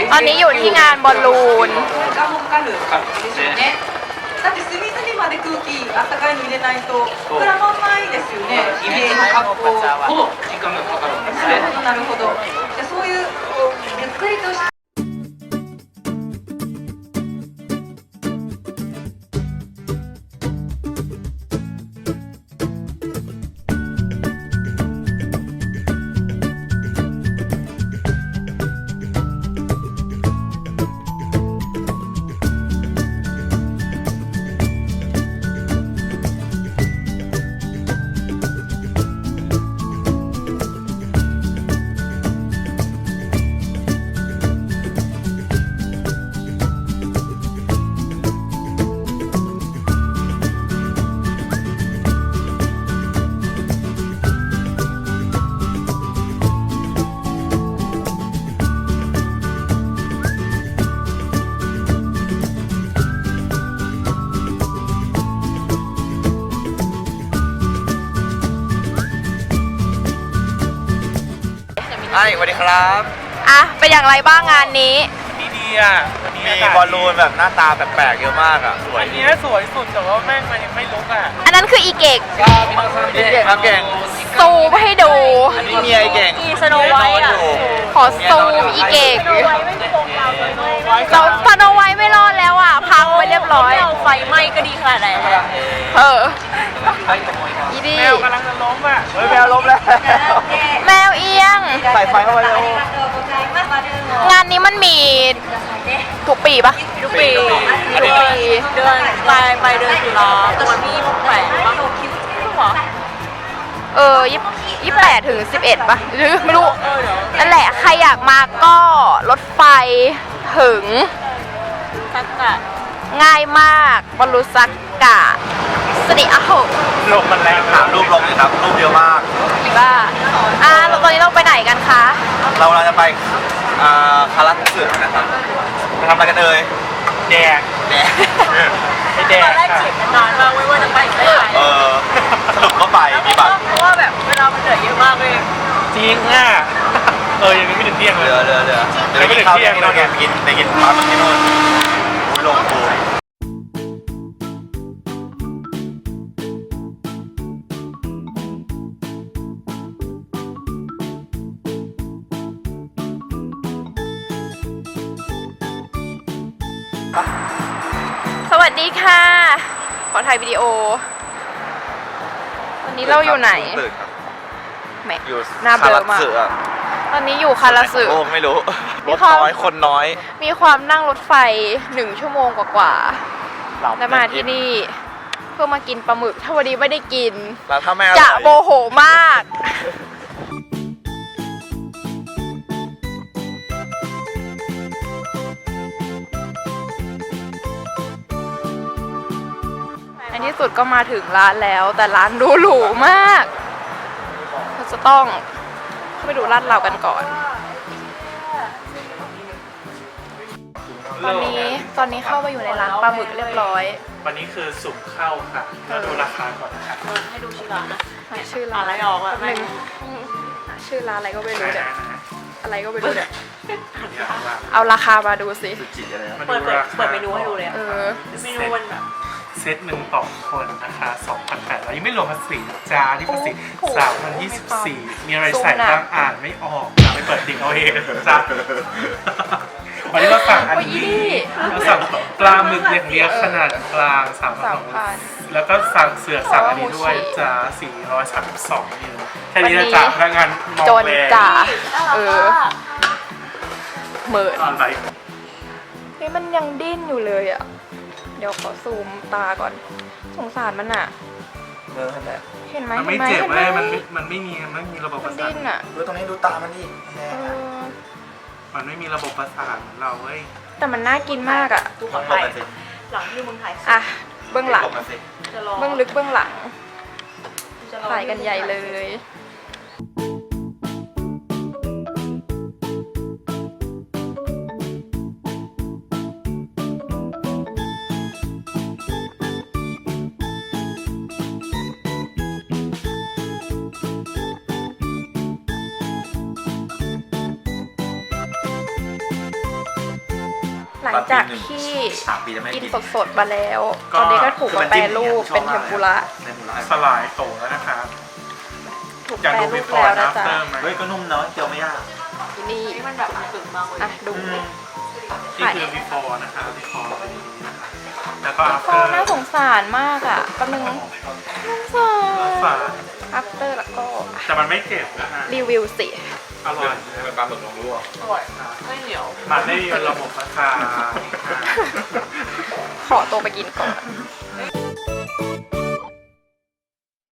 ตอนนี้อยู่ที่งานบอลลูนだって隅々まで空気あったかいの入れないと膨らまんないですよね。イメージ発酵ほど時間がかかるんですね。なるほど。じゃそういうゆっくりとしたสวัสดีครับอ่ะเป็นอย่างไรบ้างงานนี้ดีอ่ะมีบอลลูนแบบหน้าตาแปลกๆเยอะมากอ่ะสวยอันนี้สวยสุดแต่ว่าแม่งมันยังไม่ลุกอ่ะอันนั้นคืออีเกกเก่งครับเก่งซูมให้ดูอันนี้เมียไอ้เก่งสโนไวท์อ่ะขอซูมอีเกกเราสโนไวท์ไม่รอดแล้วอ่ะพังไปเรียบร้อยไฟไหม้ก็ดีขนาดไหนอีดีแมวกำลังจะล้มอ่ะเฮ้ยแมวล้มแล้วแมวเอียงใส่ไฟเข้าไปเลยงานนี้มันมีทุกปีปะทุกปีเดือนปลายเดือนตุลาวันที่28ถึง11ปะหรือไม่รู้นั่นแหละใครอยากมาก็รถไฟถึงง่ายมากบอลลูซักกะสนิอาโหลมมันแรงถามรูปลงเลยครับรูปเยอะมากบ้าตอนนี้เราไปไหนกันคะเราจะไปคารัสึสึนะครับไปทำอะไรกันเอ่ยแดงแดงไอแดงตอนแรกเขียนนานมากไม่ว่าจะไปไม่ไปสรุปก็ไปมีบัตรเพราะว่าแบบเวลามันเหนื่อยเยอะมากเลยจริงอ่ะยังไม่ถึงเที่ยงเลยเรือเดี๋ยวไปกินข้าวที่โน่นไงไปกินปลาที่โน่นลงปูสวัสดีค่ะ ขอถ่ายวิดีโอวันนี้เราอยู่ไหนแหมอยู่หน้าเบลอมากตอนนี้อยู่คาราสึโอ้ไม่รู้รถน้อยคนน้อยมีความนั่งรถไฟ1 ชั่วโมงกว่าๆแล้วมาที่นี่เพื่อมากินปลาหมึกถ้าวันนี้ไม่ได้กินแล้วถ้าแม่จะโมโหมากในที่สุดก็มาถึงร้านแล้วแต่ร้านดูหรูมากเราจะต้องเข้าไปดูร้านเรากันก่อนตอนนี้เข้ามาอยู่ในร้านปลาหมึกเรียบร้อยวันนี้คือสุ่มเข้าค่ะเราดูราคาก่อนนะคะให้ดูชื่อร้านนะชื่อร้านอะไรออกอะชื่อร้านอะไรก็ไม่รู้เนี่ยอะไรก็ไม่รู้เนี่ยเอาราคามาดูสิเปิดเมนูให้ดูเลยเมนูมันแบบเซตหนึ่งต่อคนนะคะ2,800ยังไม่รวมภาษีจ้าที่ภาษี3,024มีอะไรใส่บ้างอ่านไม่ออกไปเปิดดิ่งเอาเองจ้าวันนี้เราสั่งอันนี้เราสั่งปลาหมึกเลี้ยงขนาดกลาง3,000แล้วก็สั่งเสือสั่งอันนี้ด้วยจ้า432นิ้วแค่นี้นะจ๊ะพนักงานมองแวจ้าเหมือนอะไรนี่มันยังดิ้นอยู่เลยอ่ะเดี๋ยวขอซูมตาก่อนสงสารมันอ่ะเห็นไหมมันไม่เจ็บเลยมันไม่มีระบบประสาทดิ้นอ่ะดูตรงนี้ดูตามันดิมันไม่มีระบบประสาทเราเว้ยแต่มันน่ากินมากอ่ะดูของไทยหลังที่มึงถ่ายอ่ะเบื้องหลังเบื้องลึกเบื้องหลังถ่ายกันใหญ่เลยหลังจากที่ 3 ปีจะไม่กินกินสดๆมาแล้ว ตอนนี้ก็ถูกมาแปรรูปเป็นเทมปุระสลายโตแล้วนะครับถูกอยากแปรดูรูป before แล้ว and นะจ๊ะ after ไหมเฮ้ยก็นุ่มเนาะเจียวไม่ยากที่นี่มันแบบสึกมากเลยอ่ะดูนี่คือ before นะคะ before เป็นอย่างนี้นะคะแล้วก็ฟอ after น่าสงสารมากอ่ะแป๊บนึงสงสารฝา after แล้วก็แต่มันไม่เจ็บนะฮะรีวิวสิอร่อยเป็นปลาหมึกลงรั่วอร่อยไม่เหนียวมันไม่มีระบบราคาขอตัวไปกินก่อน